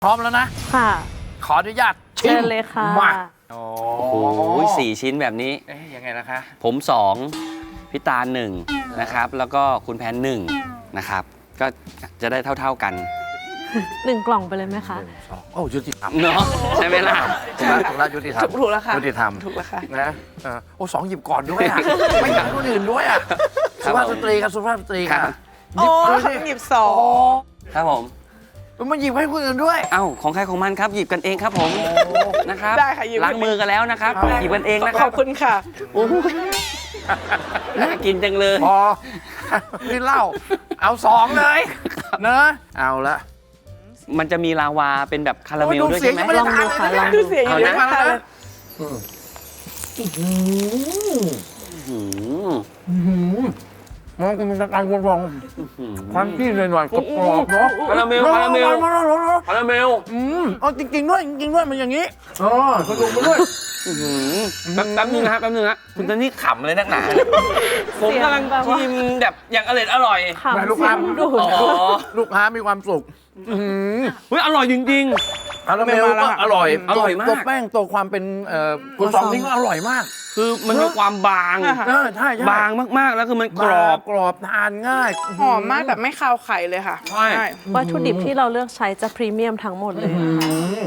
พร้อมแล้วนะค่ะขออนุญาตชิเชิมญเลยค่ะมาโอ้โอ้ย4 ชิ้นแบบนี้เอ๊ยยังไงนะคะผม2พี่ตาล1นะครับ แล้วก็คุณแพน1นะครับ ก็จะได้เท่าๆกัน 1 กล่องไปเลยไหมคะสองโอ้ยุติธรรมเนาะใช่ไหมล่ะถูกแล้วยุติธรรมถูกแล้วค่ะยุติธรรมถูกแล้วค่ะนะโอ้สองหยิบก่อนด้วยอ่ะ ไม่อยากให้คนอื่นด้วยอ่ะครัสุบภาพสตรีครับสุภาพสตรีค่ะครับหยิบโอ้เลยสิหยิบสองครับผมมันหยิบให้คนอื่นด้วยเอ้าของใครของมันครับหยิบกันเองครับผมนะครับได้ค่ะหยิบล้างมือกันแล้วนะครับได้หยิบกันเองนะคขรัอบบคุณค่ะโอ้ยน่ากินจังเลยพอ นี่เหล้าเอาสองเลยเนอะเอาละมันจะมีลาวาเป็นแบบคาราเมลโอ้ด้วยเสียใช่งไหมยังไม่ได้ลองดูค่ะทานเลยนะลองคือเสียงอยู่เอาในนะปากเลยหืมมันเป็นการกรองความที่หน่อยๆกรอบๆเนาะคาราเมลคาราเมลคาราเมลเอาจริงๆด้วยจริงๆด้วยมันอย่างนี้กระดูกมาด้วยอื้อหือแป๊บนึงนะครับแป๊บนึงนะคุณตอนนี้ขำเลยนักหนาผมกำลังชิมแบบอย่างอร่อยค่ะแม่ลูกค้าเสียงดูดอ๋อลูกค้ามีความสุขเฮ้ยอร่อยจริงคาราเมลก็อร่อยอร่อยมากตัวแป้งตัวความเป็นกุซองนี่ก็อร่อยมากๆ คือมันมีความบางอ่าใช่ใช่บางมากๆ แล้วคือมันกรอบกรอบทานง่ายหอมมากแต่ไม่คาวไข่เลยค่ะใช่วัตถุดิบที่เราเลือกใช้จะพรีเมียมทั้งหมดเลยค่ะ